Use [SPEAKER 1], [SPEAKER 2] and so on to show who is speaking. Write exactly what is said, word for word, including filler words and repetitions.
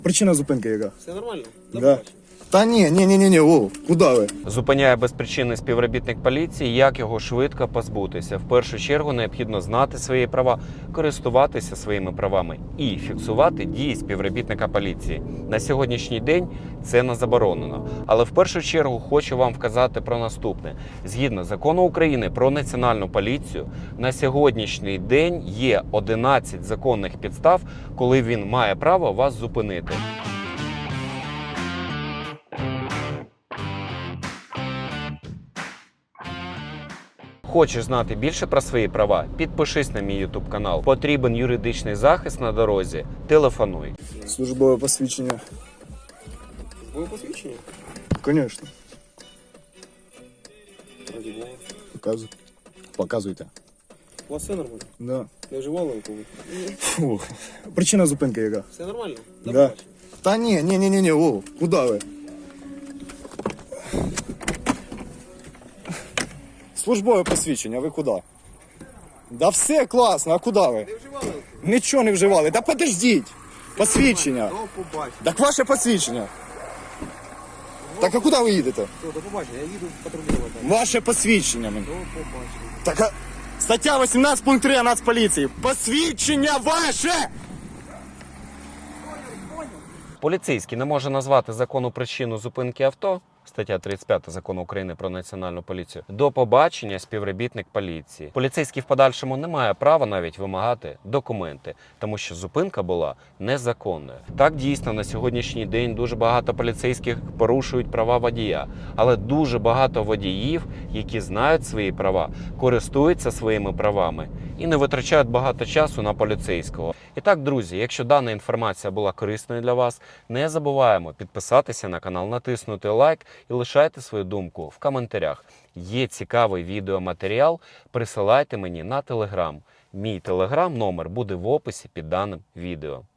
[SPEAKER 1] Причина зупинки яка?
[SPEAKER 2] Все нормально?
[SPEAKER 1] Да. Та ні, ні, ні, ні, ні, о, куди ви?
[SPEAKER 3] Зупиняє безпричинний співробітник поліції, як його швидко позбутися. В першу чергу необхідно знати свої права, користуватися своїми правами і фіксувати дії співробітника поліції. На сьогоднішній день це не заборонено. Але в першу чергу хочу вам вказати про наступне. Згідно закону України про національну поліцію, на сьогоднішній день є одинадцять законних підстав, коли він має право вас зупинити. Хочеш знати більше про свої права? Підпишись на мій YouTube канал. Потрібен юридичний захист на дорозі? Телефонуй.
[SPEAKER 1] Службове посвідчення.
[SPEAKER 2] Ви посвідчені?
[SPEAKER 1] Звісно.
[SPEAKER 2] Раді Бога.
[SPEAKER 1] Показуй. Показуйте.
[SPEAKER 2] У вас все нормально?
[SPEAKER 1] Да.
[SPEAKER 2] Не вживали алкоголь?
[SPEAKER 1] Фух. Причина зупинки яка?
[SPEAKER 2] Все нормально? До
[SPEAKER 1] Да.
[SPEAKER 2] побачення.
[SPEAKER 1] Та ні, ні, ні, ні, ні, о, куди ви? Службове посвідчення, ви куди? Да все класно, а куди ви?
[SPEAKER 2] Не вживали алкоголь?
[SPEAKER 1] Нічого не вживали. Та подождіть. Посвідчення.
[SPEAKER 2] До побачення.
[SPEAKER 1] Так ваше посвідчення. Так а куди ви їдете?
[SPEAKER 2] Все, до побачення. Я їду патрулювати.
[SPEAKER 1] Ваше посвідчення. мені.
[SPEAKER 2] До побачення.
[SPEAKER 1] Так, а... стаття вісімнадцять пункт три Нацполіції. Посвідчення ваше!
[SPEAKER 3] Поліцейський не може назвати законну причину зупинки авто, стаття тридцять п'ять закону України про національну поліцію, до побачення співробітник поліції. Поліцейський в подальшому не має права навіть вимагати документи, тому що зупинка була незаконною. Так, дійсно, на сьогоднішній день дуже багато поліцейських порушують права водія, але дуже багато водіїв, які знають свої права, користуються своїми правами і не витрачають багато часу на поліцейського. І так, друзі, якщо дана інформація була корисною для вас, не забуваємо підписатися на канал, натиснути лайк і лишайте свою думку в коментарях. Є цікавий відеоматеріал, присилайте мені на Телеграм. Мій Телеграм номер буде в описі під даним відео.